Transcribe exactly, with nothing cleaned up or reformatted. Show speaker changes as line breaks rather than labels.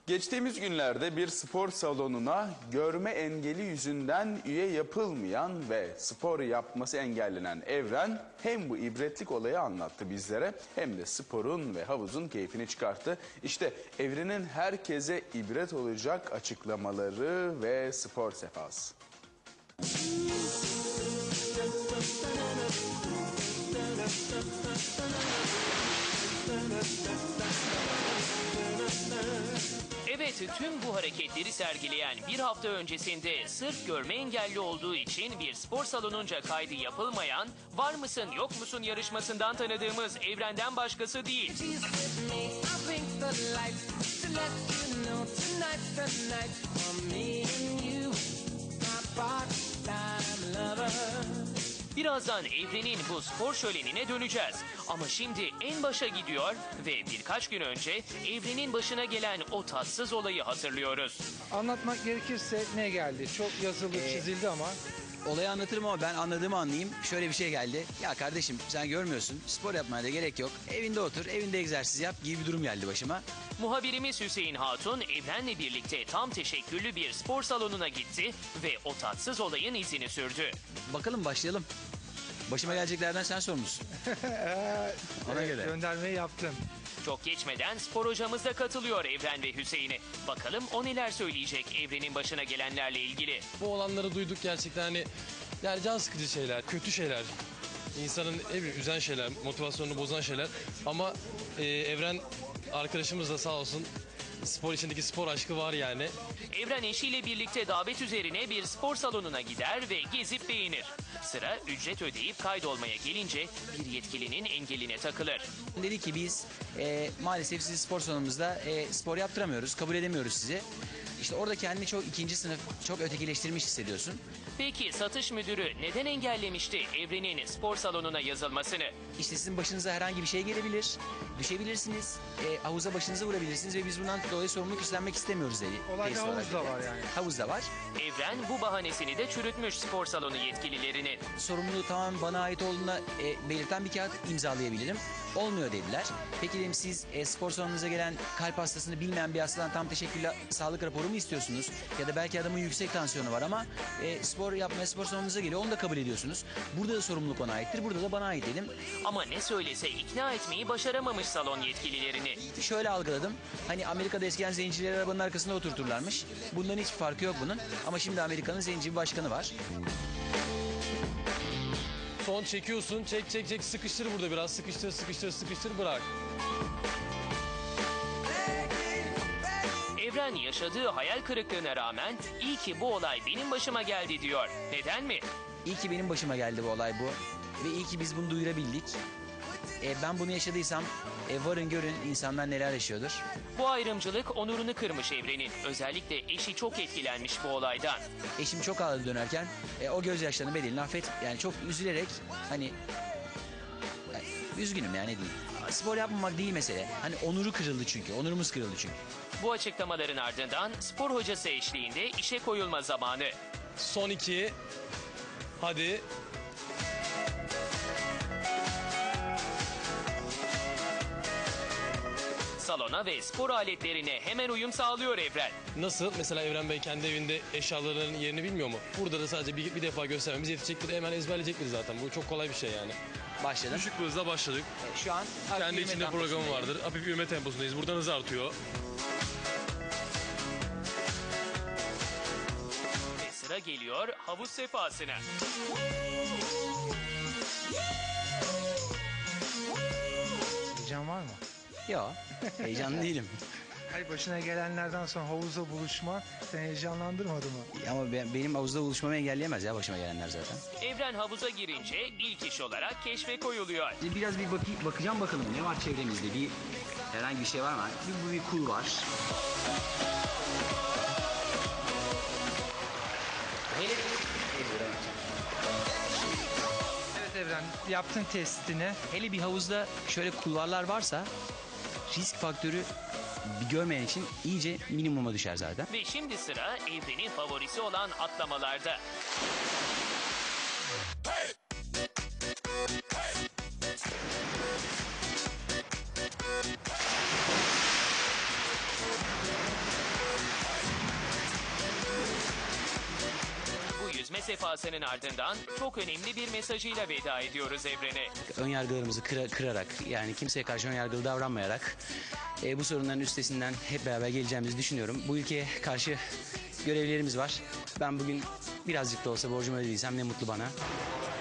Geçtiğimiz günlerde bir spor salonuna görme engeli yüzünden üye yapılmayan ve spor yapması engellenen Evren hem bu ibretlik olayı anlattı bizlere hem de sporun ve havuzun keyfini çıkarttı. İşte Evren'in herkese ibret olacak açıklamaları ve spor sefası.
Evet, tüm bu hareketleri sergileyen bir hafta öncesinde sırf görme engelli olduğu için bir spor salonunca kaydı yapılmayan Var mısın yok musun yarışmasından tanıdığımız Evren'den başkası değil. Birazdan Evren'in bu spor şölenine döneceğiz. Ama şimdi en başa gidiyor ve birkaç gün önce Evren'in başına gelen o tatsız olayı hatırlıyoruz.
Anlatmak gerekirse ne geldi? Çok yazılı,
Ee,
çizildi ama.
Olayı anlatırım ama ben anladığımı anlayayım. Şöyle bir şey geldi. Ya kardeşim sen görmüyorsun. Spor yapmaya da gerek yok. Evinde otur, evinde egzersiz yap gibi bir durum geldi başıma.
Muhabirimiz Hüseyin Hatun Evren'le birlikte tam teşekküllü bir spor salonuna gitti ve o tatsız olayın izini sürdü.
Bakalım başlayalım. Başıma geleceklerden sen sorumlusun. Ona
Evet,
göre.
göndermeyi yaptım.
Çok geçmeden spor hocamız da katılıyor Evren ve Hüseyin'e. Bakalım o neler söyleyecek Evren'in başına gelenlerle ilgili.
Bu olanları duyduk gerçekten hani yani can sıkıcı şeyler, kötü şeyler. İnsanın ne bileyim üzen şeyler, motivasyonunu bozan şeyler. Ama e, Evren arkadaşımız da sağ olsun spor içindeki spor aşkı var yani.
Evren eşiyle birlikte davet üzerine bir spor salonuna gider ve gezip beğenir. Sıra ücret ödeyip kaydolmaya gelince bir yetkilinin engeline takılır.
Dedi ki biz e, maalesef sizi spor salonumuzda e, spor yaptıramıyoruz, kabul edemiyoruz sizi. İşte orada kendini çok ikinci sınıf, çok ötekileştirmiş hissediyorsun.
Peki satış müdürü neden engellemişti Evren'in spor salonuna yazılmasını?
İşte sizin başınıza herhangi bir şey gelebilir, düşebilirsiniz, e, havuza başınızı vurabilirsiniz ve biz bundan dolayı sorumluluk üstlenmek istemiyoruz dedi.
Olayda
Tesis olarak
havuz da
dedi.
var yani.
Havuz da var.
Evren bu bahanesini de çürütmüş spor salonu yetkililerinin.
Sorumluluğu tamamen bana ait olduğuna e, belirten bir kağıt imzalayabilirim. Olmuyor dediler. Peki dedim siz e, spor salonunuza gelen kalp hastasını bilmeyen bir hastadan tam teşekküllü sağlık raporu mu istiyorsunuz? Ya da belki adamın yüksek tansiyonu var ama e, spor yapmaya spor salonunuza geliyor, onu da kabul ediyorsunuz. Burada da sorumluluk ona aittir, burada da bana ait dedim.
Ama ne söylese ikna etmeyi başaramamış salon yetkililerini.
Şöyle algıladım. Hani Amerika'da eskiden zencileri arabanın arkasında oturturlarmış. Bundan hiçbir farkı yok bunun. Ama şimdi Amerika'nın zenci bir başkanı var.
Son çekiyorsun, çek çek çek sıkıştır burada biraz, sıkıştır sıkıştır sıkıştır bırak.
Evren yaşadığı hayal kırıklığına rağmen iyi ki bu olay benim başıma geldi diyor. Neden mi?
İyi ki benim başıma geldi bu olay bu. Ve iyi ki biz bunu duyurabildik. E, ben bunu yaşadıysam e, varın görün insanlar neler yaşıyordur.
Bu ayrımcılık onurunu kırmış Evren'in. Özellikle eşi çok etkilenmiş bu olaydan.
Eşim çok ağladı dönerken e, o gözyaşlarının bedelini affet. Yani çok üzülerek hani yani, üzgünüm yani değil. Spor yapmamak değil mesele. Hani onuru kırıldı çünkü. Onurumuz kırıldı çünkü.
Bu açıklamaların ardından spor hocası eşliğinde işe koyulma zamanı.
Son iki. Hadi.
Salona ve spor aletlerine hemen uyum sağlıyor Evren.
Nasıl? Mesela Evren Bey kendi evinde eşyalarının yerini bilmiyor mu? Burada da sadece bir, bir defa göstermemiz yetecektir. Hemen ezberleyecektir zaten. Bu çok kolay bir şey yani.
Başladım.
Düşük bir hızla başladık.
E, şu an
Kendi içinde programı vardır. Hafif yürüme temposundayız. Buradan hız artıyor.
Ve sıra geliyor havuz sefasına.
Heyecan var mı?
Yok. Heyecanlı değilim.
Hayır, başına gelenlerden sonra havuzda buluşma seni heyecanlandırmadı mı?
Ama ben, benim havuzda buluşmamı engelleyemez ya başıma gelenler zaten.
Evren havuza girince ilk iş olarak keşfe koyuluyor.
Biraz bir bakayım, bakacağım bakalım ne var çevremizde. Bir herhangi bir şey var mı? Bir, bu bir kul var. Hele
Evet Evren, yaptın testini.
hele bir havuzda şöyle kulvarlar varsa risk faktörü bir görmeyen için iyice minimuma düşer zaten.
Ve şimdi sıra Evren'in favorisi olan atlamalarda. sefasının ardından çok önemli bir mesajıyla veda ediyoruz Evren'e.
Önyargılarımızı kıra- kırarak, yani kimseye karşı önyargılı davranmayarak e, bu sorunların üstesinden hep beraber geleceğimizi düşünüyorum. Bu ülkeye karşı görevlerimiz var. Ben bugün birazcık da olsa borcumu ödediysem ne mutlu bana.